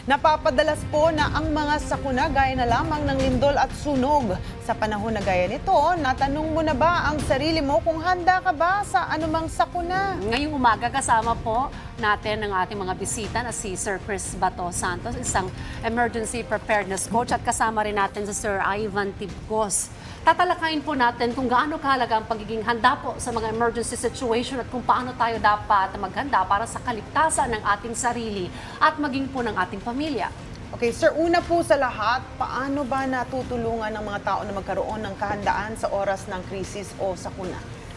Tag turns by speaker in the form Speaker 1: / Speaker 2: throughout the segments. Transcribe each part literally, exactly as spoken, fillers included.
Speaker 1: Napapadalas po na ang mga sakuna gaya na lamang ng lindol at sunog. Sa panahon na gaya nito, natanong mo na ba ang sarili mo kung handa ka ba sa anumang sakuna?
Speaker 2: Ngayong umaga kasama po natin ang ating mga bisita na si Sir Chris Bato Santos, isang emergency preparedness coach, at kasama rin natin si Sir Ivan Tibcos. Tatalakayin po natin kung gaano kahalaga ang pagiging handa po sa mga emergency situation at kung paano tayo dapat maghanda para sa kaligtasan ng ating sarili at maging po ng ating pamilya.
Speaker 1: Okay, sir, una po sa lahat, paano ba natutulungan ng mga tao na magkaroon ng kahandaan sa oras ng krisis o sakuna?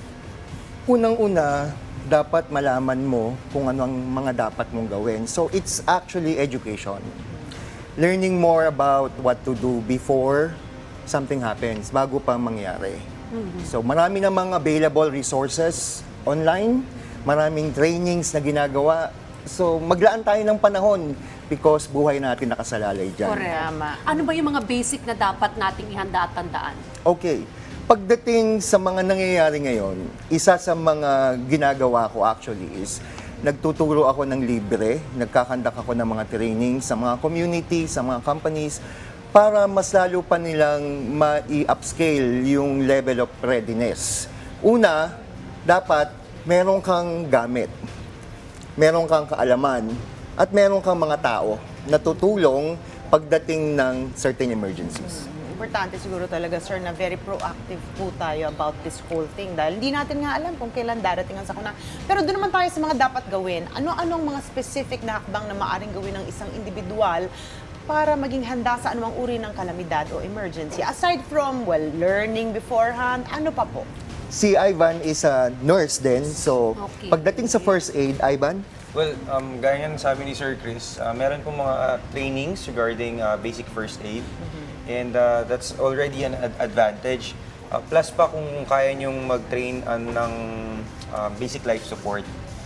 Speaker 3: Unang-una, dapat malaman mo kung ano ang mga dapat mong gawin. So it's actually education. Learning more about what to do before something happens, bago pa mangyari. Mm-hmm. So marami namang available resources online, maraming trainings na ginagawa. So maglaan tayo ng panahon because buhay natin nakasalalay dyan.
Speaker 2: Correct. Ano ba yung mga basic na dapat nating ihanda at tandaan?
Speaker 3: Okay. Pagdating sa mga nangyayari ngayon, isa sa mga ginagawa ko actually is nagtuturo ako ng libre, nagkakandak ako ng mga training sa mga community, sa mga companies, para mas lalo pa nilang ma-upscale yung level of readiness. Una, dapat meron kang gamit, meron kang kaalaman, at meron kang mga tao na tutulong pagdating ng certain emergencies.
Speaker 1: Importante siguro talaga, sir, na very proactive po tayo about this whole thing dahil hindi natin nga alam kung kailan darating ang sakuna. Pero doon naman tayo sa mga dapat gawin. Ano-anong mga specific na hakbang na maaring gawin ng isang individual para maging handa sa anumang uri ng kalamidad o emergency? Aside from, well, learning beforehand, ano pa po?
Speaker 3: Si Ivan is a nurse din, so
Speaker 2: Okay.
Speaker 3: pagdating sa first aid, Ivan,
Speaker 4: Well, um, gaya ng sabi ni Sir Chris, uh, meron pong mga uh, trainings regarding uh, basic first aid. And uh, that's already an ad- advantage. Uh, plus pa kung kaya nyong mag-train uh, ng uh, basic life support.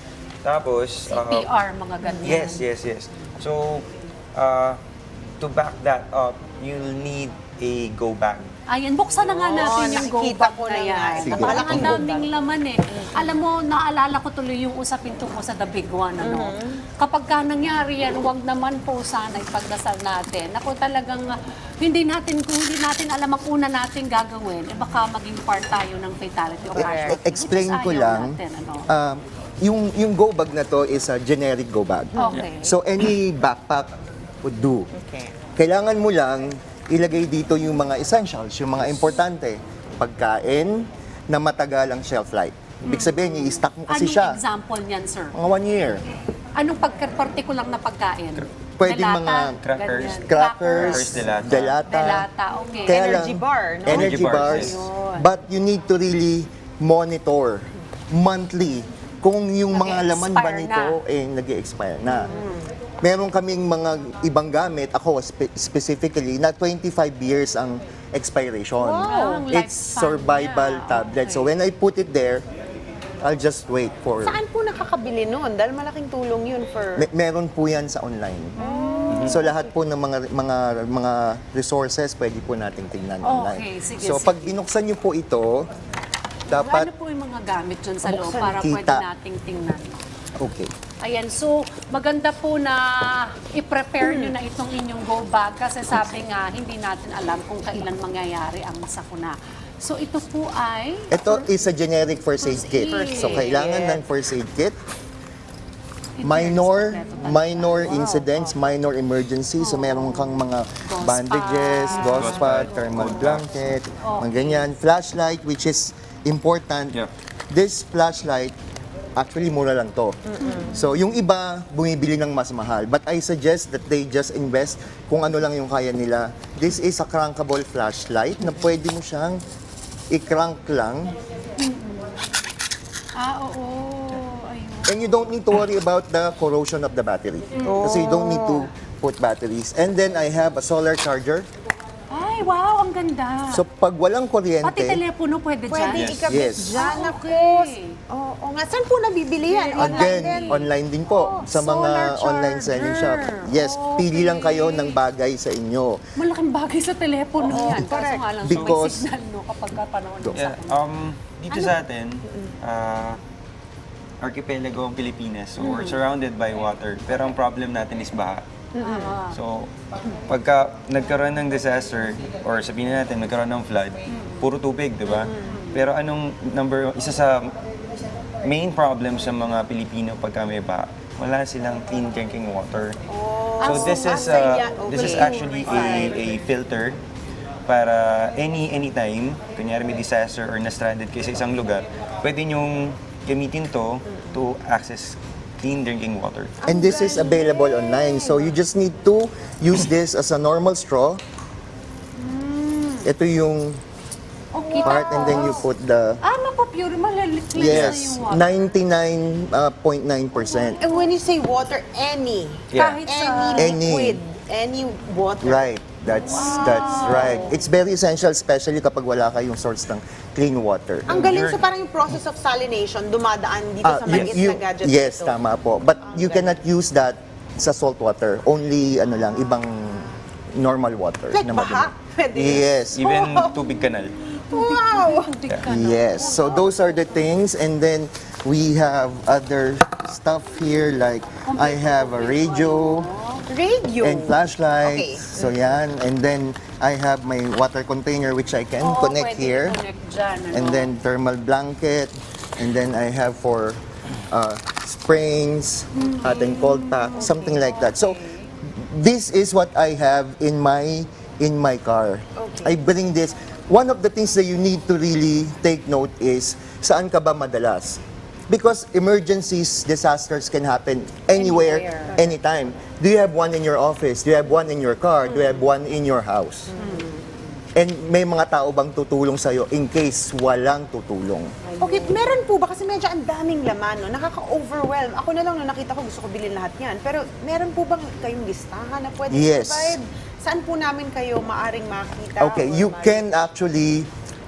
Speaker 4: Tapos,
Speaker 2: C P R, mga ganyan.
Speaker 4: yes, yes, yes. So, uh, to back that up, you'll need a go bag.
Speaker 2: Ayan, buksan na nga
Speaker 1: Oo,
Speaker 2: natin yung go
Speaker 1: nakikita
Speaker 2: bag
Speaker 1: ko
Speaker 2: na
Speaker 1: na
Speaker 2: yan.
Speaker 1: nga.
Speaker 3: Sige.
Speaker 2: Parang ang
Speaker 1: Malaking go
Speaker 2: daming laman eh. Alam mo, naalala ko tuloy yung usapin tungkol sa the big one. Ano? Kapag ka nangyari yan, huwag naman po sana ipagdasal natin. Ako talagang ah, hindi natin, kung hindi natin alam ang una natin gagawin, eh baka maging part tayo ng fatality o casualty.
Speaker 3: explain
Speaker 2: Which is
Speaker 3: ko
Speaker 2: ayaw
Speaker 3: lang,
Speaker 2: natin, ano?
Speaker 3: um, yung, yung go bag na to is a generic go bag.
Speaker 2: Okay.
Speaker 3: So any backpack would do.
Speaker 1: Okay.
Speaker 3: Kailangan mo lang ilagay dito yung mga essentials, yung mga importante. Pagkain na matagal ang shelf life. Ibig sabihin, i-stock mo kasi
Speaker 2: Anong
Speaker 3: siya.
Speaker 2: example niyan, sir?
Speaker 3: Mga one year.
Speaker 2: Anong pagka-particular na pagkain?
Speaker 3: Pwedeng
Speaker 2: Delata,
Speaker 3: mga
Speaker 4: crackers.
Speaker 2: ganyan.
Speaker 3: Crackers,
Speaker 4: delata.
Speaker 3: delata.
Speaker 2: Delata, okay.
Speaker 3: Kaya
Speaker 1: Energy
Speaker 3: lang,
Speaker 1: bar, no?
Speaker 3: Energy
Speaker 4: Energy bars,
Speaker 3: bars.
Speaker 2: yes.
Speaker 3: But you need to really monitor monthly kung yung mga laman ba
Speaker 2: Nag-e-expire
Speaker 3: nito eh nag-expire na. Meron kaming mga ibang gamit, ako spe- specifically, na twenty-five years ang expiration.
Speaker 2: Wow, ang
Speaker 3: It's
Speaker 2: lifespan
Speaker 3: survival
Speaker 2: niya.
Speaker 3: tablet.
Speaker 2: Okay.
Speaker 3: So when I put it there, I'll just wait for...
Speaker 1: Saan po nakakabili nun? Dahil malaking tulong yun for...
Speaker 3: Me- meron po yan sa online. So lahat po ng mga mga mga resources pwede po nating tingnan online.
Speaker 2: sige,
Speaker 3: So
Speaker 2: sige.
Speaker 3: pag binuksan niyo po ito, dapat
Speaker 2: Ano po yung mga gamit dyan sa loob
Speaker 1: Buksan,
Speaker 2: para pwede
Speaker 3: kita.
Speaker 2: nating tingnan?
Speaker 3: okay.
Speaker 2: Ayan, so maganda po na i-prepare nyo na itong inyong go bag kasi sabi nga, hindi natin alam kung kailan mangyayari ang sakuna. So ito po ay...
Speaker 3: Ito is a generic first aid
Speaker 2: First
Speaker 3: kit.
Speaker 2: aid.
Speaker 3: So kailangan ng first aid kit.
Speaker 2: ito
Speaker 3: Minor,
Speaker 2: yung kompleto talaga.
Speaker 3: minor
Speaker 2: Wow.
Speaker 3: incidents, minor emergency. So meron kang mga
Speaker 2: Gauze
Speaker 3: bandages,
Speaker 2: pad.
Speaker 3: gauze pad, thermal blanket, mga ganyan. Flashlight, which is important.
Speaker 4: Yeah.
Speaker 3: This flashlight, actually mura lang to. So yung iba, bumibili ng mas mahal. But I suggest that they just invest kung ano lang yung kaya nila. This is a crankable flashlight na pwede mo siyang i-crank lang.
Speaker 2: Ah, oo. Ayun.
Speaker 3: And you don't need to worry about the corrosion of the battery. Kasi you don't need to put batteries. And then I have a solar charger.
Speaker 2: Ay, wow, ang ganda.
Speaker 3: So pag walang kuryente,
Speaker 2: Pati telepono pwede dyan?
Speaker 1: Pwede
Speaker 4: Yes.
Speaker 1: ikabit
Speaker 3: Yes.
Speaker 1: dyan.
Speaker 2: Ah,
Speaker 1: Ako.
Speaker 2: okay.
Speaker 1: Oo oh, nga. Saan po nabibili yan? Online
Speaker 3: again,
Speaker 1: din?
Speaker 3: online din po sa mga
Speaker 2: solar
Speaker 3: online selling shop.
Speaker 2: charger.
Speaker 3: Yes, pili lang
Speaker 2: Okay.
Speaker 3: kayo ng bagay sa inyo.
Speaker 2: Malaking bagay sa telepono
Speaker 1: Oo,
Speaker 2: yan. Kaso
Speaker 1: correct.
Speaker 2: nga lang,
Speaker 3: Because-
Speaker 2: may signal no, kapag ka panahon ng
Speaker 4: Yeah,
Speaker 2: sakuna.
Speaker 4: um, dito sa atin, uh, archipelago ang Pilipinas. So we're surrounded by water. Pero ang problem natin is baha. So, pagka nagkaroon ng disaster, or sabihin na natin, nagkaroon ng flood, puro tubig, di ba? Pero anong number, isa sa main problem sa mga Pilipino pagka may baha, wala silang clean drinking water. So
Speaker 1: Ah,
Speaker 4: this
Speaker 1: so
Speaker 4: is
Speaker 1: basta
Speaker 4: uh,
Speaker 1: yan,
Speaker 4: this is
Speaker 1: okay.
Speaker 4: actually a, a filter para any anytime, kunyari may disaster or na-stranded kayo sa isang lugar, pwede nyong gamitin to to access clean drinking water.
Speaker 3: And this is available online. So you just need to use this as a normal straw. Ito yung
Speaker 2: Okay.
Speaker 3: part and then you put the,
Speaker 2: Ah, mapapure, malilit na
Speaker 3: yes,
Speaker 2: yung water.
Speaker 3: ninety-nine point nine percent.
Speaker 1: And when you say water, any.
Speaker 4: Yeah.
Speaker 2: Kahit
Speaker 1: Any
Speaker 2: sa...
Speaker 3: Any.
Speaker 1: liquid. Any water.
Speaker 3: Right. That's that's right. It's very essential, especially kapag wala kayong source ng clean water.
Speaker 1: Ang galing
Speaker 4: Sure.
Speaker 1: sa parang yung process of salination, dumadaan dito
Speaker 3: Ah,
Speaker 1: sa
Speaker 3: you-
Speaker 1: maliit
Speaker 3: you-
Speaker 1: na gadget
Speaker 3: yes,
Speaker 1: dito.
Speaker 3: tama po. But you
Speaker 1: galing.
Speaker 3: cannot use that sa salt water. Only ano lang, ibang normal water.
Speaker 1: Like
Speaker 3: na
Speaker 1: baha?
Speaker 3: madumi.
Speaker 1: Pwede.
Speaker 3: Yes.
Speaker 4: Even tubig kanal.
Speaker 1: Wow!
Speaker 2: Tubig ka na.
Speaker 3: Yes. So those are the things, and then we have other stuff here like I have a radio
Speaker 1: Radio.
Speaker 3: and flashlight.
Speaker 1: Okay.
Speaker 3: So yan, and then I have my water container which I can
Speaker 2: Oo,
Speaker 3: connect
Speaker 2: pwede
Speaker 3: here,
Speaker 2: i-connect dyan, ano?
Speaker 3: and then thermal blanket, and then I have for uh, springs, hot and cold pack, something like that. So this is what I have in my in my car. I bring this. One of the things that you need to really take note is saan ka ba madalas? Because emergencies, disasters can happen anywhere,
Speaker 2: Anywhere.
Speaker 3: anytime. Do you have one in your office? Do you have one in your car? Do you have one in your house? And may mga tao bang tutulong sa'yo in case walang tutulong?
Speaker 1: Okay, meron po ba? Kasi medyo ang daming laman, no? Nakaka-overwhelm. Ako na lang, no, nakita ko, gusto ko bilhin lahat yan. Pero meron po bang kayong listahan na pwede
Speaker 3: Yes.
Speaker 1: provide? Saan po namin kayo maaring makita?
Speaker 3: Okay,
Speaker 1: or
Speaker 3: you
Speaker 1: ma-
Speaker 3: can actually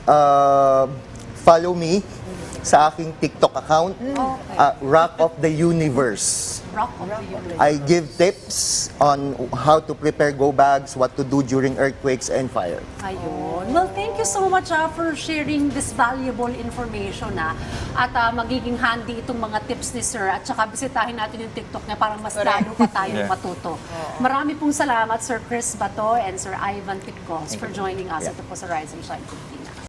Speaker 3: uh, follow me sa aking TikTok account, uh, Rock of the Universe.
Speaker 2: Rock of the universe.
Speaker 3: I give tips on how to prepare go bags, what to do during earthquakes and fire.
Speaker 2: Ayun. Well, thank you so much ah, for sharing this valuable information ah. At ah, magiging handy itong mga tips ni Sir. At saka bisitahin natin yung TikTok niya para mas lalo pa tayong
Speaker 4: Yeah.
Speaker 2: matuto. Marami pong salamat Sir Chris Bato and Sir Ivan Pitcos for joining us ito po sa Rise and Shine T V.